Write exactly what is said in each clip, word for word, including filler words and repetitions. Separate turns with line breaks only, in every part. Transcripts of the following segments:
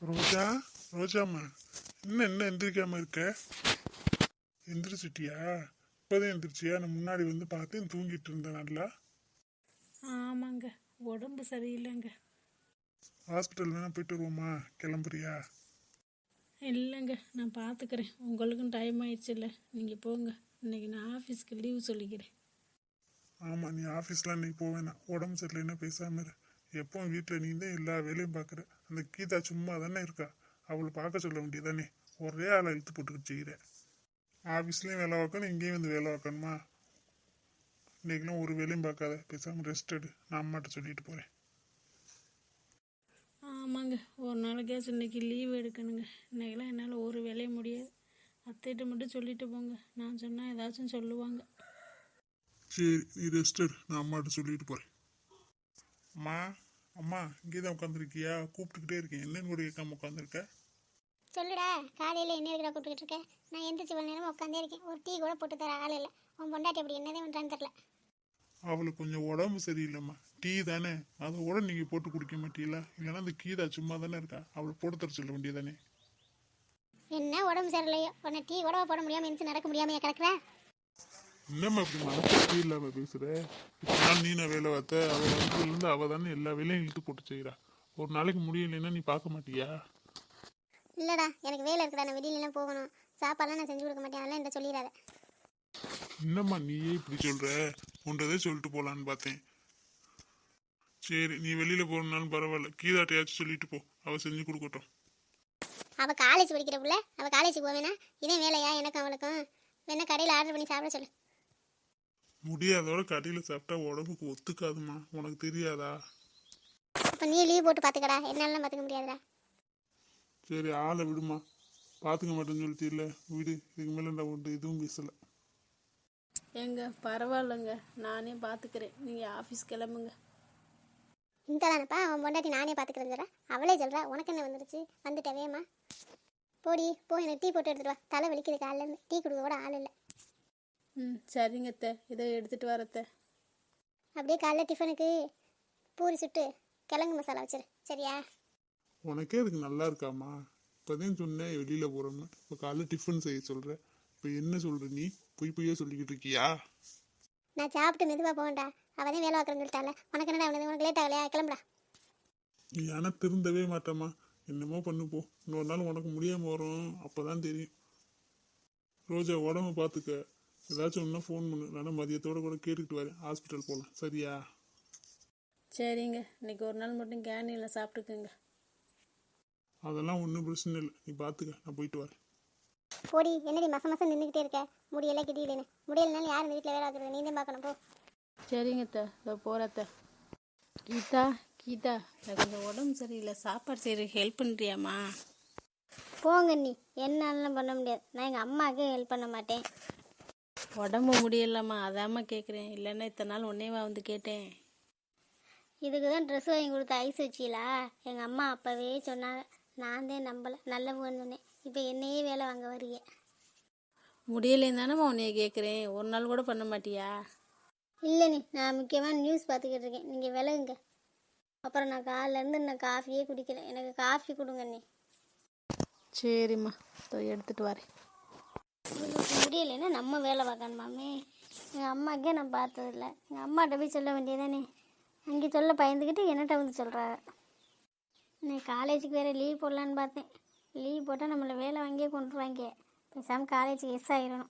ரோஜா, ரோஜாம்மா, இன்னும் என்ன எந்திரிக்காம இருக்க? எந்திரிச்சிட்டியா? இப்போதான் எந்திரிச்சியா? நான் முன்னாடி வந்து பார்த்தேன் தூங்கிட்டு இருந்தேன் நல்லா.
ஆமாங்க, உடம்பு சரியில்லைங்க.
ஹாஸ்பிட்டல் வேணா போயிட்டு வருவோமா? கிளம்புறியா?
இல்லைங்க, நான் பார்த்துக்கிறேன். உங்களுக்கும் டைம் ஆயிடுச்சுல்ல, நீங்கள் போங்க. இன்னைக்கு நான் ஆஃபீஸ்க்கு லீவ் சொல்லிக்கிறேன்.
ஆமாம், நீ ஆஃபீஸ்லாம் இன்னைக்கு போவேணா. உடம்பு சரியில்லைன்னா பேசாம இரு. எப்பவும் வீட்டில் நீ தான் எல்லா வேலையும் பார்க்குற. அந்த கீதா சும்மா தானே இருக்கா? அவளை பார்க்க சொல்ல வேண்டியதானே? ஒரே ஆளை இழுத்து போட்டுக்கிட்டு செய்கிற. ஆஃபீஸ்லேயும் வேலை பார்க்கணும், இங்கேயும் வந்து வேலை பார்க்கணுமா? இன்னைக்கெல்லாம் ஒரு வேலையும் பார்க்காத, பேசாமல் ரெஸ்ட் எடு. நான் அம்மாட்ட சொல்லிட்டு போகிறேன்.
ஆமாங்க, ஒரு நாளைக்காச்சும் இன்னைக்கு லீவ் எடுக்கணுங்க. இன்னைக்கெல்லாம் என்னால் ஒரு வேலைய முடியாது. அத்தைகிட்ட மட்டும் சொல்லிட்டு போங்க. நான் சொன்னால் ஏதாச்சும் சொல்லுவாங்க.
சரி, நீ ரெஸ்ட் எடு. நான் அம்மாட்ட சொல்லிட்டு போகிறேன். அம்மா, அம்மா, இங்கே தான் உட்காந்துருக்கியா? கூப்பிட்டுக்கிட்டே இருக்கேன், என்னன்னு கூட கேட்காம உட்காந்துருக்க?
சொல்லுடா, காலையில் என்ன இருக்கிறா கூப்பிட்டுக்கிட்டு இருக்கேன்? நான் எந்திரிச்சு இவ்வளோ நேரம் உட்காந்தே இருக்கேன். ஒரு டீ கூட போட்டு தர ஆள் இல்லை. உன் பொண்டாட்டி அப்படி என்னதே பண்ணுறான்னு தெரில.
அவளுக்கு கொஞ்சம் உடம்பு சரியில்லைம்மா. டீ தானே, அதை கூட நீங்கள் போட்டு குடிக்க மாட்டீங்களா? இல்லைன்னா அந்த கீதா சும்மா தானே இருக்கா, அவளை போட்டு தர சொல்ல வேண்டியதானே?
என்ன உடம்பு சரியில்லையோ, உன்னை டீ கூட போட முடியாமல் எந்திரிச்சு நடக்க முடியாமல் கிடக்குற.
என்னம்மா இப்படி மனசு இல்லாம பேசுற? நாள் நீ நான் வேலை பார்த்த, அவள் வந்ததுலேருந்து அவள் தானே எல்லா வேலையும் இழுத்து போட்டு செய்கிறா. ஒரு நாளைக்கு முடியலைன்னா நீ பார்க்க மாட்டியா?
இல்லைடா, எனக்கு வேலை இருக்குடா. நான் வெளியிலலாம் போகணும். சாப்பாடுலாம் நான் செஞ்சு கொடுக்க மாட்டேன். அதெல்லாம் என்கிட்ட சொல்லிடாத.
என்னம்மா நீயே இப்படி சொல்ற? உன்றதே சொல்லிட்டு போலான்னு பார்த்தேன். சரி, நீ வெளியில போறனாலும் பரவாயில்ல, கீதாட்டையாச்சும் சொல்லிட்டு போ, அவ செஞ்சு கொடுக்கட்டும்.
அவள் காலேஜ் படிக்கிற புள்ள, அவள் காலேஜுக்கு போவேனா? இதே வேலையா எனக்கும் அவளுக்கும்? வேணா கடையில் ஆர்டர் பண்ணி சாப்பிட சொல்லு.
முடியாதோட கடையில் சாப்பிட்டா உடம்புக்கு ஒத்துக்காதுமா, உனக்கு தெரியாதா?
இப்போ நீ லீவ் போட்டு பார்த்துக்கடா. என்னாலலாம் பார்த்துக்க முடியாதுடா.
சரி, ஆளை விடுமா. பார்த்துக்க மாட்டேன்னு சொல்லிட்டு இல்லை, விடு. இதுக்கு மேலே நான் ஒன்று எதுவும் பேசலை.
ஏங்க பரவாயில்லைங்க, நானே பார்த்துக்கிறேன். நீங்கள் ஆஃபீஸ் கிளம்புங்க.
இந்த தானப்பா அவன் பொண்டாட்டி நானே பார்த்துக்கிறேன். அவளே சொல்கிறா, உனக்கு என்ன வந்துருச்சு? வந்துட்டவேம்மா. போடி போ, எனக்கு டீ போட்டு எடுத்துட்டு வா. தலை வலிக்குது காலிலேருந்து. டீ கொடுக்க கூட ஆள் இல்லை.
ம் சரிங்க அத்தை, இதை எடுத்துகிட்டு வரத்த.
அப்படியே காலைல டிஃபனுக்கு பூரி சுட்டு கிழங்கு மசாலா வச்சிரு, சரியா?
உனக்கே அதுக்கு நல்லா இருக்காமா? இப்போதான் சொன்னேன் வெளியில போறோம்னு, இப்போ காலைல டிஃபன் செய்ய சொல்ற. இப்போ என்ன சொல்ற நீ? பொய் பொய்யா சொல்லிக்கிட்டு இருக்கியா?
நான் சாப்பிட்டு மெதுவாக போவேன்டா. அவள் தான் வேலை பார்க்குறேன்னு சொல்லிட்டால. உனக்கு என்னடா அவனுக்கு? உனக்கு லேட் ஆகலையா? கிளம்புடா.
நீ ஆனால் திருந்தவே மாட்டேம்மா. என்னமோ பண்ணு போ. இன்னொரு நாள் உனக்கு முடியாமல் வரும், அப்போதான் தெரியும். ரோஜா, உடம்பு பார்த்துக்க. ஏதாச்சும் ஒன்றா ஃபோன் பண்ணு, இல்லைன்னா மதியத்தோட கூட கேட்டுக்கிட்டு வரேன். ஹாஸ்பிட்டல் போகலாம், சரியா?
சரிங்க, இன்னைக்கு ஒரு நாள் மட்டும் கேண்டீனில் சாப்பிட்டுக்குங்க.
அதெல்லாம் ஒன்றும் பிரச்சனை இல்லை, நீ பார்த்துக்க. நான் போயிட்டு வரேன்.
போடி, என்னடி மச மசம் நின்றுக்கிட்டே இருக்க? முடியெல்லாம் கிட்டிக்கிட்டேன்னு. முடியலனாலும் யார் இந்த வீட்டில் வேலை பார்க்குறது? நீ தான் பார்க்கணும், போ.
சரிங்க அத்தை, இதோ போகிறத்த. கீதா, கீதா, எனக்கு கொஞ்சம் உடம்பு சரியில்லை, சாப்பாடு செய்கிற ஹெல்ப் பண்ணுறியாம்மா?
போங்க நீ. என்னாலும் பண்ண முடியாது. நான் எங்கள் அம்மாவுக்கு ஹெல்ப் பண்ண மாட்டேன்.
உடம்பு முடியலம்மா, அதாம்மா கேட்குறேன். இல்லைன்னா இத்தனை நாள் ஒன்னேவா வந்து கேட்டேன்.
இதுக்கு தான் ட்ரெஸ் வாங்கி கொடுத்த ஐஸ் வச்சிலா? எங்கள் அம்மா அப்போவே சொன்னாங்க. நான் தான் நம்பலை, நல்லவங்கன்னு சொன்னேன். இப்போ என்னையே வேலை வாங்க வரீங்க.
முடியலேன்னு தானேம்மா உன்னைய கேட்குறேன். ஒரு நாள் கூட பண்ண மாட்டியா?
இல்லை நீ, நான் முக்கியமாக நியூஸ் பார்த்துக்கிட்டு இருக்கேன். நீங்கள் விலகுங்க. அப்புறம் நான் காலையிலேருந்து நான் காஃபியே குடிக்கிறேன். எனக்கு காஃபி கொடுங்க நீ.
சரிம்மா, இதோ எடுத்துகிட்டு வரேன்.
முடியலைன்னா நம்ம வேலை பார்க்கணுமாமே. எங்கள் அம்மாக்கே நான் பார்த்ததில்ல. எங்கள் அம்மாட்ட போய் சொல்ல வேண்டியதானே? அங்கே சொல்ல பயந்துக்கிட்டு என்னட்ட வந்து சொல்கிறாங்க. நான் காலேஜுக்கு வேறு லீவ் போடலான்னு பார்த்தேன். லீவ் போட்டால் நம்மளை வேலை வாங்கியே கொண்டுருவாங்க. பேசாமல் காலேஜுக்கு எஸ் ஆகிடணும்.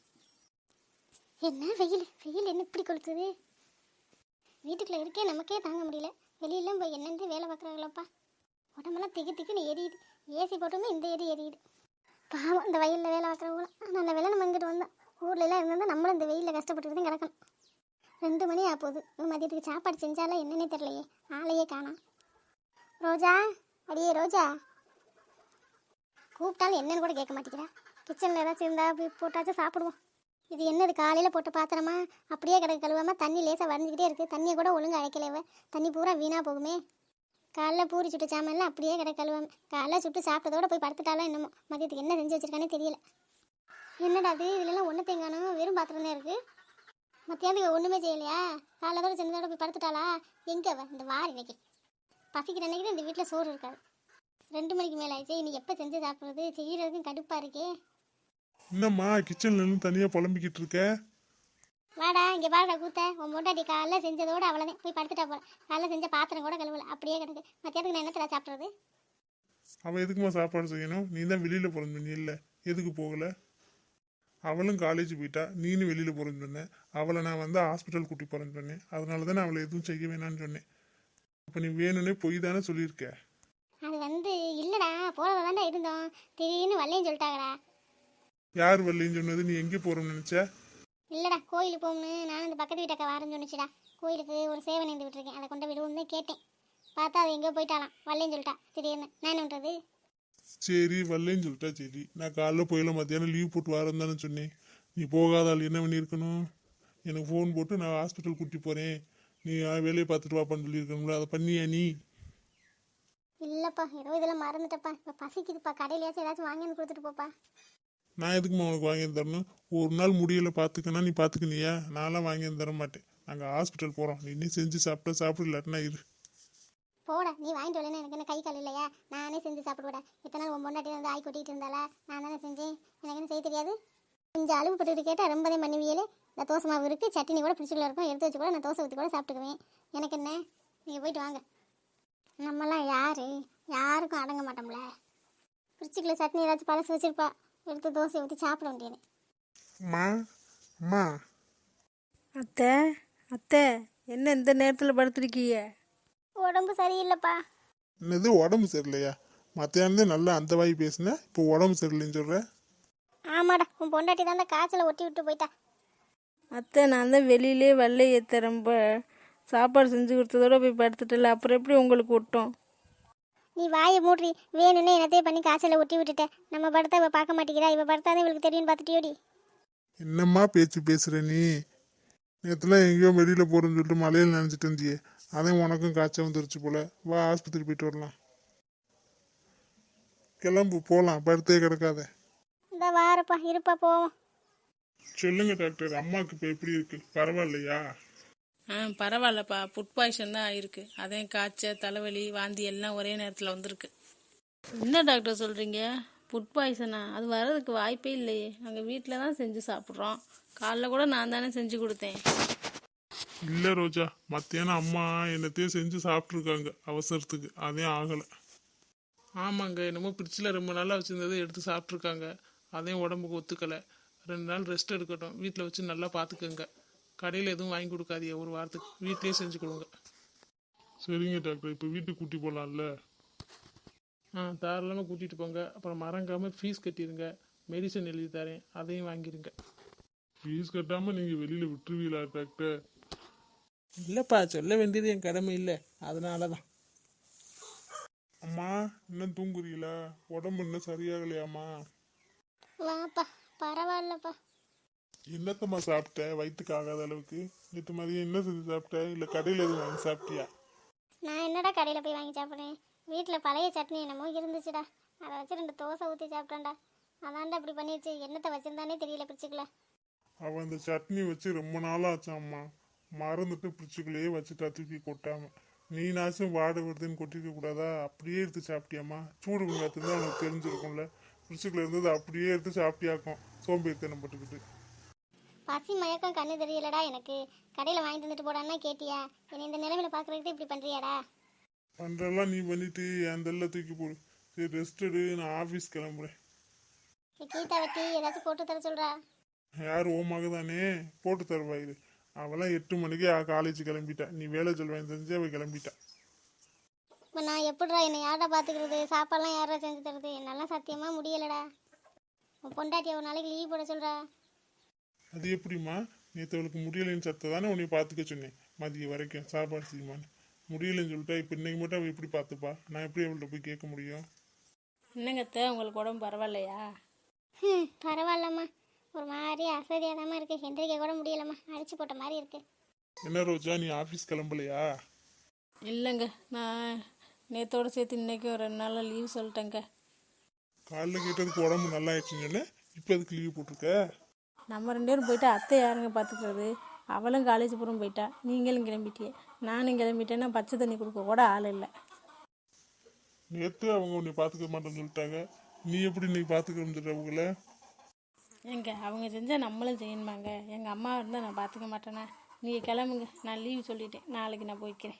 என்ன வெயில், வெயில் என்ன இப்படி கொளுத்துது? வீட்டுக்குள்ளே இருக்கே நமக்கே தாங்க முடியல. வெளியெல்லாம் போய் என்னென்னு வேலை பார்க்குறாங்களப்பா. உடம்பெல்லாம் திக்கு திக்குன்னு எரியுது. ஏசி போட்டோமே இந்த எரி எரியுது. பாவம் இந்த வெயிலில் வேலை பார்க்குறவங்களும். நல்ல வேலை நம்ம இங்கிட்டு வந்தோம். ஊர்லெலாம் இருந்தால் நம்மளும் இந்த வெயிலில் கஷ்டப்பட்டுட்டு தான் கிடக்கணும். ரெண்டு மணி ஆக போகுது. மதியத்துக்கு சாப்பாடு செஞ்சாலும் என்னன்னே தெரியலையே. ஆளையே காணோம். ரோஜா, அடியே ரோஜா, கூப்பிட்டாலும் என்னன்னு கூட கேட்க மாட்டேங்கிறா. கிச்சனில் ஏதாச்சும் இருந்தால் அப்படி போட்டாச்சும் சாப்பிடுவோம். இது என்னது காலையில் போட்டு பாத்திரமா அப்படியே கிடக்கு கழுவாமல் தண்ணி லேசாக வரைஞ்சிக்கிட்டே இருக்குது. தண்ணியை கூட ஒழுங்காக அழைக்கலைவ. தண்ணி பூரா வீணாக போகுமே. காலைல பூரி சுட்டு சாமான்லாம் அப்படியே கிடக்கு கழுவாமல். காலைல சுட்டு சாப்பிட்டதோட போய் படுத்துட்டாலும் என்னமோ. மதியத்துக்கு என்ன செஞ்சு வச்சிருக்கானே தெரியல. என்னடா அது, இதுலலாம் ஒன்று தேங்கானோ வெறும் பாத்திரம் தான் இருக்குது. மத்தியானத்துக்கு ஒன்றுமே செய்யலையா? காலைலதோட செஞ்சதோட போய் படுத்துட்டாளா? எங்கே அவ இந்த வாரம் இன்னைக்கு? பசிக்கிற அன்னைக்கு தான் இந்த வீட்டில் சோறு இருக்காது. ரெண்டு மணிக்கு மேலே ஆயிடுச்சு, இன்னைக்கு எப்போ செஞ்சு சாப்பிட்றது? செய்யறதுக்கும் கடுப்பாக இருக்கே.
என்னம்மா கிச்சன்ல இருந்து தனியா புலம்பிக்கிட்டு இருக்க?
வாடா இங்கே பாருடா கூத்த. உன் பொண்டாட்டி காலைல செஞ்சதோடு அவ்வளோதான், போய் படுத்துட்டா போல. காலைல செஞ்ச பாத்திரம் கூட கழுவல, அப்படியே கிடக்கு. மத்தியானத்துக்கு நான் என்னத்தில் சாப்பிட்றது?
அவ எதுக்குமா சாப்பாடு செய்யணும்? நீ தான் வெளியில போறேன்னு சொன்ன இல்ல, எதுக்கு போகல? அவளும் காலேஜ் போயிட்டா, நீனும் வெளியில போறேன்னு சொன்னேன். அவளை நான் வந்து ஹாஸ்பிட்டல் கூட்டி போறேன்னு சொன்னேன். அதனால தானே அவளை எதுவும் செய்ய வேணாம்னு சொன்னேன். அப்ப நீ வேணும்னே பொய் தானே சொல்லியிருக்க.
அது வந்து இல்லைடா, போகிறத தாண்டா இருந்தோம். திடீர்னு வரலைன்னு சொல்லிட்டாங்கடா.
யார் வரலைன்னு சொன்னது? நீ எங்கே போறோம்னு நினைச்ச?
இல்லைடா, கோயிலுக்கு போகணும்னு நானும் இந்த பக்கத்து வீட்டக்கா வரேன்னு சொன்னிச்சுடா. கோயிலுக்கு ஒரு சேவை நேர்ந்து விட்டுருக்கேன், அதை கொண்டு விடுவோம்னு தான் கேட்டேன். பார்த்தா அது எங்கேயோ போயிட்டாலாம், வரலைன்னு சொல்லிட்டா திடீர்னு. நான் என்ன பண்ணுறது?
சரி வரலைன்னு சொல்லிட்டா சரி. நான் காலைல போயில மத்தியானம் லீவ் போட்டு வரேன் தானே சொன்னேன். நீ போகாத ஆள் என்ன பண்ணியிருக்கணும்? எனக்கு ஃபோன் போட்டு நான் ஹாஸ்பிட்டல் கூட்டி போறேன், நீ வேலையை பார்த்துட்டு வாப்பான்னு சொல்லியிருக்கணும்ல. அதை பண்ணியா நீ?
இல்லைப்பா, ஏதோ இதெல்லாம் மறந்துட்டப்பா. இப்போ பசிக்குதுப்பா, கடையிலையாச்சும் ஏதாச்சும் வாங்கி வந்து கொடுத்துட்டு போப்பா.
நான் எதுக்குமா உனக்கு வாங்கி தரணும்? ஒரு நாள் முடியல பார்த்துக்கனா நீ பார்த்துக்கணியா? நான்லாம் வாங்கி தர மாட்டேன். நாங்கள் ஹாஸ்பிட்டல் போகிறோம், நீ இன்னும் செஞ்சு சாப்பிட்டா சாப்பிட, இல்லாட்டினா இரு.
போடா, நீ வாங்கிட்டு வரலன்னு எனக்கு என்ன கை கால் இல்லையா? நானே செஞ்சு சாப்பிடுவேடா. இத்தனை நாள் உன் பொண்டாட்டி வந்து ஆய் கொட்டிட்டு இருந்தாளா? நான் தானே செஞ்சேன், எனக்கு என்ன செய்ய தெரியாது? கொஞ்சம் அளவு பட்டுட்டு கேட்டால் ரொம்பதே பண்ணுவியலே. இந்த தோசை மாவு இருக்குது, சட்னி கூட ஃப்ரிட்ஜில் இருக்கும், எடுத்து வச்சு கூட நான் தோசை ஊற்றி கூட சாப்பிட்டுக்குவேன். எனக்கு என்ன? நீங்கள் போயிட்டு வாங்க. நம்மலாம் யார்? யாருக்கும் அடங்க மாட்டோம்ல. ஃப்ரிட்ஜுக்குள்ள சட்னி ஏதாச்சும் பழசு வச்சுருப்பா, எடுத்து தோசை ஊற்றி சாப்பிட வேண்டியது.
அம்மா அம்மா.
அத்தை அத்தை, என்ன இந்த நேரத்தில் படுத்துருக்கீங்க?
உடம்பு சரியில்லைப்பா.
என்னது உடம்பு சரியில்லையா? மத்தியானந்தே நல்லா அந்த வாய் பேசுனேன், இப்போ உடம்பு சரியில்லைன்னு சொல்ற?
ஆமாடா, உன் பொண்டாட்டி தான் அந்த காய்ச்சலை ஒட்டி விட்டு போயிட்டா.
அத்தை, நான் தான் வெளியிலே வெள்ளை ஏற்ற ரொம்ப சாப்பாடு செஞ்சு கொடுத்ததோட போய் படுத்துட்டல, அப்புறம் எப்படி உங்களுக்கு விட்டோம்?
நீ வாயை மூட்ரி. வேணும்னே என்னத்தையே பண்ணி காய்ச்சலை ஒட்டி விட்டுட்ட. நம்ம படத்தை இவ பார்க்க மாட்டேங்கிறா, இவ படத்தாதான் இவளுக்கு தெரியும்னு பார்த்துட்டியோடி.
என்னம்மா பேச்சு பேசுற நீ? நேற்றுலாம் எங்கேயோ வெளியில போறேன்னு சொல்லிட்டு மலையில் நினைச்சிட்டு இருந்தியே, அதே உனக்கும் காய்ச்சல் வந்துருச்சு போல. வா ஆஸ்பத்திரி போயிட்டு வரலாம். கிளம்பு போகலாம், படுத்தே கிடக்காத.
இந்த வாரப்பா, இருப்பா போவோம்.
சொல்லுங்க டாக்டர், அம்மாவுக்கு இப்போ எப்படி இருக்கு? பரவாயில்லையா?
ஆ பரவாயில்லப்பா, ஃபுட் பாய்சன் தான் ஆயிருக்கு. அதே காய்ச்சல், தலைவலி, வாந்தி எல்லாம் ஒரே நேரத்தில் வந்திருக்கு. என்ன டாக்டர் சொல்கிறீங்க? ஃபுட் பாய்சனா? அது வர்றதுக்கு வாய்ப்பே இல்லையே. நாங்கள் வீட்டில் தான் செஞ்சு சாப்பிட்றோம். காலைல கூட நான் தானே செஞ்சு கொடுத்தேன்.
இல்லை ரோஜா, மத்தியானம் அம்மா என்னத்தையும் செஞ்சு சாப்பிட்ருக்காங்க அவசரத்துக்கு, அதே ஆகலை.
ஆமாங்க, என்னமோ ஃப்ரிட்ஜில் ரொம்ப நாளாக வச்சுருந்ததை எடுத்து சாப்பிட்ருக்காங்க. அதையும் உடம்புக்கு ஒத்துக்கலை. ரெண்டு நாள் ரெஸ்ட் எடுக்கட்டும், வீட்டில் வச்சு நல்லா பார்த்துக்கோங்க. கடையில் எதுவும் வாங்கி கொடுக்காதீங்க, ஒரு வாரத்துக்கு வீட்லேயே செஞ்சு கொடுங்க.
சரிங்க டாக்டர், இப்போ வீட்டுக்கு கூட்டி போகலாம்ல?
ஆ தாராளமாக கூட்டிகிட்டு போங்க. அப்புறம் மறங்காமல் ஃபீஸ் கட்டிடுங்க. மெடிசன் எழுதி தரேன், அதையும் வாங்கிடுங்க.
ஃபீஸ் கட்டாமல் நீங்கள் வெளியில் விட்டுருவீங்களா டாக்டர்?
இல்லைப்பா, சொல்ல வேண்டியது என் கடமை இல்லை, அதனால தான்.
அம்மா இன்னும் தூங்குறீங்களா? உடம்பு இன்னும் சரியாகலையாம்மா?
வாப்பா, பரவாயில்லப்பா.
என்னத்தம்மா சாப்பிட்ட வயிற்றுக்கு ஆகாத அளவுக்கு? நேற்று மதியம் என்ன செஞ்சு சாப்பிட்ட? இல்லை கடையில் எதுவும் வாங்கி சாப்பிட்டியா?
நான் என்னடா கடையில் போய் வாங்கி சாப்பிட்றேன்? வீட்டில் பழைய சட்னி என்னமோ இருந்துச்சுடா, அதை வச்சு ரெண்டு தோசை ஊற்றி சாப்பிட்டேன்டா. அதான்டா இப்படி பண்ணிடுச்சு. என்னத்தை வச்சுருந்தானே தெரியல பிடிச்சிக்கல.
அவன் அந்த சட்னி வச்சு ரொம்ப நாளாக ஆச்சாம்மா, மறந்துட்டு பிடிச்சிக்குள்ளேயே வச்சுட்டா தூக்கி கொட்டாம. நீனாச்சும் வாடை வருதுன்னு கொட்டிக்க கூடாதா? அப்படியே எடுத்து சாப்பிட்டியாம்மா? சூடு வெங்காயத்து தான் உனக்கு தெரிஞ்சிருக்கும்ல. பிடிச்சிக்குள்ள இருந்தது அப்படியே எடுத்து சாப்பிட்டியாக்கும், சோம்பேறித்தனம் பட்டுக்கிட்டு.
பசி மயக்கம் கண்ணு தெரியலடா எனக்கு. கடையில் வாங்கி தந்துட்டு போடான்னா கேட்டியா? என்னை இந்த நிலைமையில பார்க்குறதுக்கு இப்படி பண்ணுறியாடா?
பண்ணுறலாம் நீ பண்ணிட்டு என் தெல்ல தூக்கி போடு. சரி ரெஸ்ட் எடு, நான் ஆஃபீஸ் கிளம்புறேன்.
கீதா வெட்டி ஏதாச்சும் போட்டு தர சொல்கிறா.
யார் ஓமாக தானே போட்டு தருவா இது. அவெல்லாம் எட்டு மணிக்கே காலேஜ் கிளம்பிட்டா. நீ வேலை சொல்வேன் தெரிஞ்சு அவள் கிளம்பிட்டா.
இப்போ நான் எப்படிடா என்னை யாரா பார்த்துக்கிறது? சாப்பாடெல்லாம் யாரா செஞ்சு தருது? என்னாலாம் சத்தியமாக முடியலடா. உன் பொண்டாட்டியை ஒரு நாளைக்கு லீவ் போட சொல்கிறா.
அது எப்படிம்மா? நேற்று அவளுக்கு முடியலைன்னு சத்த தானே உன்னை பார்த்துக்க சொன்னேன் மதியம் வரைக்கும் சாப்பாடு செய்யுமான்னு. முடியலைன்னு சொல்லிட்டா இப்போ இன்னைக்கு மட்டும் அவள் எப்படி பார்த்துப்பா? நான் எப்படி அவள்கிட்ட போய் கேட்க முடியும்?
என்னங்கத்த, உங்களுக்கு உடம்பு பரவாயில்லையா?
ம் பரவாயில்லம்மா, ஒரு மாதிரி அசதியாக தான் இருக்குது. எந்திரிக்க கூட முடியலம்மா, அடிச்சு போட்ட மாதிரி இருக்குது.
என்ன ரோஜா, நீ ஆஃபீஸ் கிளம்பலையா?
இல்லைங்க, நான் நேற்றோட சேர்த்து இன்றைக்கி ஒரு ரெண்டு நாளில் லீவ் சொல்லிட்டேங்க.
காலைல கேட்டதுக்கு உடம்பு நல்லா ஆயிடுச்சுன்னு சொன்னேன், இப்போ அதுக்கு லீவ் போட்டிருக்க?
நம்ம ரெண்டு பேரும் போயிட்டா அத்தை யாருங்க பார்த்துக்கிறது? அவளும் காலேஜ் பூரம் போயிட்டா, நீங்களும் கிளம்பிட்டியே. நானும் கிளம்பிட்டேன்னா பச்சை தண்ணி கொடுக்க கூட ஆள் இல்லை.
நேற்று அவங்க உன்னை பார்த்துக்க மாட்டேன்னு சொல்லிட்டாங்க, நீ எப்படி நீ பார்த்துக்கணும்னு சொல்ற அவங்கள?
எங்க அவங்க செஞ்சால் நம்மளும் செய்யணுமாங்க? எங்கள் அம்மா இருந்தால் நான் பார்த்துக்க மாட்டேனா? நீங்கள் கிளம்புங்க, நான் லீவு சொல்லிட்டேன், நாளைக்கு நான் போய்க்கிறேன்.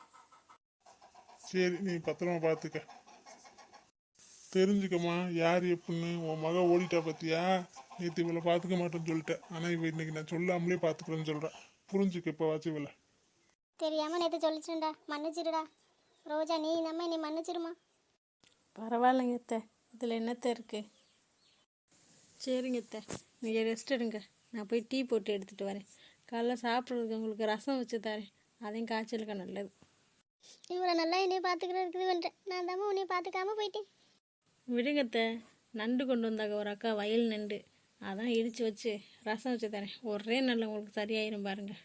சரி, நீ பத்திரமா பார்த்துக்க. தெரிஞ்சுக்கம்மா யார் எப்படின்னு. உன் மக ஓடிட்டா பார்த்தியா? நேற்று இவளை பார்த்துக்க மாட்டேன்னு சொல்லிட்டேன், ஆனால் இவ இன்னைக்கு நான் சொல்லாமலே பார்த்துக்கிறேன்னு சொல்கிறேன். புரிஞ்சுக்க இப்போ வாச்சு இவளை.
தெரியாமல் நேற்று சொல்லிச்சுடா, மன்னிச்சிடுடா. ரோஜா நீ நம்ம நீ மன்னிச்சிருமா.
பரவாயில்லைங்க அத்தை, இதில் என்னத்த இருக்குது? சரிங்க அத்தை, நீங்கள் ரெஸ்ட் எடுங்க, நான் போய் டீ போட்டு எடுத்துகிட்டு வரேன். காலைல சாப்பிட்றதுக்கு உங்களுக்கு ரசம் வச்சு தரேன், அதையும் காய்ச்சலுக்கு நல்லது.
இவ்வளோ நல்லா என்னைய பார்த்துக்கிறதுக்கு பண்ணுறேன், நான் தாம்மா உன்னைய பார்த்துக்காம போயிட்டேன்.
விடுங்கத்த, நண்டு கொண்டு வந்தாங்க ஒரு அக்கா, வயல் நண்டு, அதான் இடித்து வச்சு ரசம் வச்சு தரேன். ஒரே நாளில் உங்களுக்கு சரியாயிரும் பாருங்க.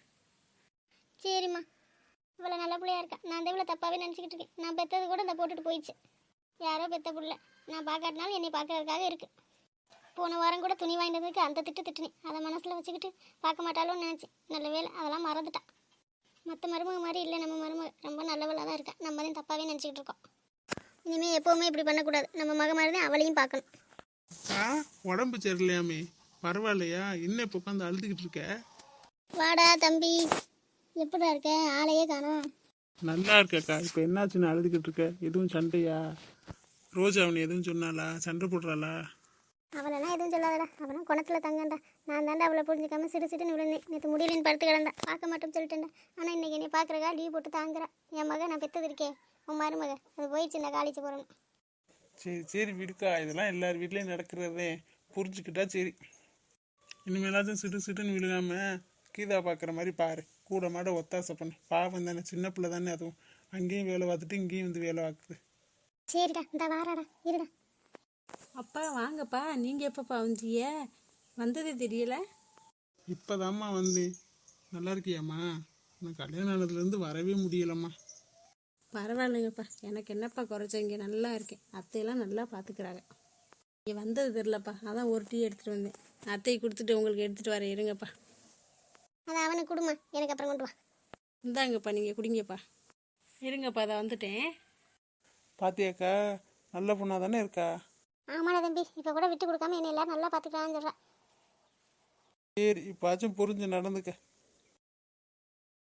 சரிம்மா, இவ்வளோ நல்ல பிள்ளையா இருக்கா. நான் அந்த இவ்வளோ தப்பாகவே நினச்சிக்கிட்டு இருக்கேன். நான் பெற்றது கூட இந்த போட்டுட்டு போயிடுச்சு. யாரோ பெற்ற பிள்ளை, நான் பார்க்காட்டினாலும் என்னை பார்க்கறதுக்காக இருக்குது. போன வாரம் கூட துணி வாங்கினதுக்கு அந்த திட்டு திட்டுனேன், அதை மனசில் வச்சுக்கிட்டு பார்க்க மாட்டாலும் நினச்சேன். நல்ல வேலை அதெல்லாம் மறந்துட்டான். மற்ற மருமக மாதிரி இல்லை நம்ம மருமக, ரொம்ப நல்லவளாக தான் இருக்கா. நம்ம தான் தப்பாகவே நினச்சிக்கிட்டு இருக்கோம். இனிமேல் எப்போவுமே இப்படி பண்ணக்கூடாது. நம்ம மக மாதிரி தான் அவளையும் பார்க்கணும்.
ஆ உடம்பு சரியில்லையாமே, பரவாயில்லையா? இன்னும் இப்போ உட்காந்து அழுதுகிட்டு இருக்க?
வாடா தம்பி, எப்படிடா இருக்க? ஆளையே காணோம்.
நல்லா இருக்கக்கா. இப்போ என்னாச்சுன்னு அழுதுகிட்டு இருக்க? எதுவும் சண்டையா? ரோஜா அவனை எதுவும் சொன்னாளா? சண்டை போடுறாளா?
அவளெல்லாம் எதுவும் சொல்லாதடா, அவனும் குணத்தில் தங்கண்டா. நான் தாண்டா அவளை புரிஞ்சுக்காம சிடு சிடுன்னு விழுந்தேன். நேற்று முடியலன்னு படுத்து கிடந்தா, பார்க்க மாட்டோம்னு சொல்லிட்டேன்டா. ஆனால் இன்னைக்கு என்னை பார்க்குறக்கா லீவ் போட்டு தாங்குறா. என் மக நான் பெற்றது இருக்கே, உன் மருமக, அது போயிடுச்சு இந்த காலேஜ் போகிறோன்னு.
சரி சரி விடுக்கா, இதெல்லாம் எல்லார் வீட்லேயும் நடக்கிறதே, புரிஞ்சுக்கிட்டா சரி. இனிமேலாச்சும் சிடு சிடுன்னு விழுகாம கீதா பார்க்குற மாதிரி பாரு, கூட மாட ஒத்தாசை பண்ணு. பாவம் தானே, சின்ன பிள்ளை தானே, அதுவும் அங்கேயும் வேலை பார்த்துட்டு இங்கேயும் வந்து வேலை பார்க்குது.
சரிடா, இந்த வாராடா, இருடா.
அப்பா வாங்கப்பா, நீங்கள் எப்பப்பா வந்தீங்க? வந்ததே தெரியல.
இப்போதாம்மா வந்தேன். நல்லா இருக்கியாம்மா? நான் கல்யாணம் ஆனதுலேருந்து வரவே முடியலம்மா.
பரவாயில்லைங்கப்பா, எனக்கு என்னப்பா குறைச்ச, இங்கே நல்லா இருக்கேன். அத்தையெல்லாம் நல்லா பார்த்துக்கிறாங்க. இங்கே வந்தது தெரிலப்பா, அதான் ஒரு டீ எடுத்துகிட்டு வந்தேன். அத்தையை கொடுத்துட்டு உங்களுக்கு எடுத்துகிட்டு வரேன், இருங்கப்பா.
அதை அவனுக்கு கொடுமா, எனக்கு அப்புறம் கொண்டு வா.
இந்தாங்கப்பா, நீங்கள் குடிங்கப்பா. இருங்கப்பா, அதை வந்துட்டேன்.
பாத்தியாக்கா, நல்ல பொண்ணாக தானே இருக்கா?
ஆமாடா தம்பி, இப்போ கூட விட்டு கொடுக்காம என்னை எல்லாரும் நல்லா பார்த்துக்கலான்னு சொல்கிறா.
சரி, இப்பாச்சும் புரிஞ்சு நடந்துக்க.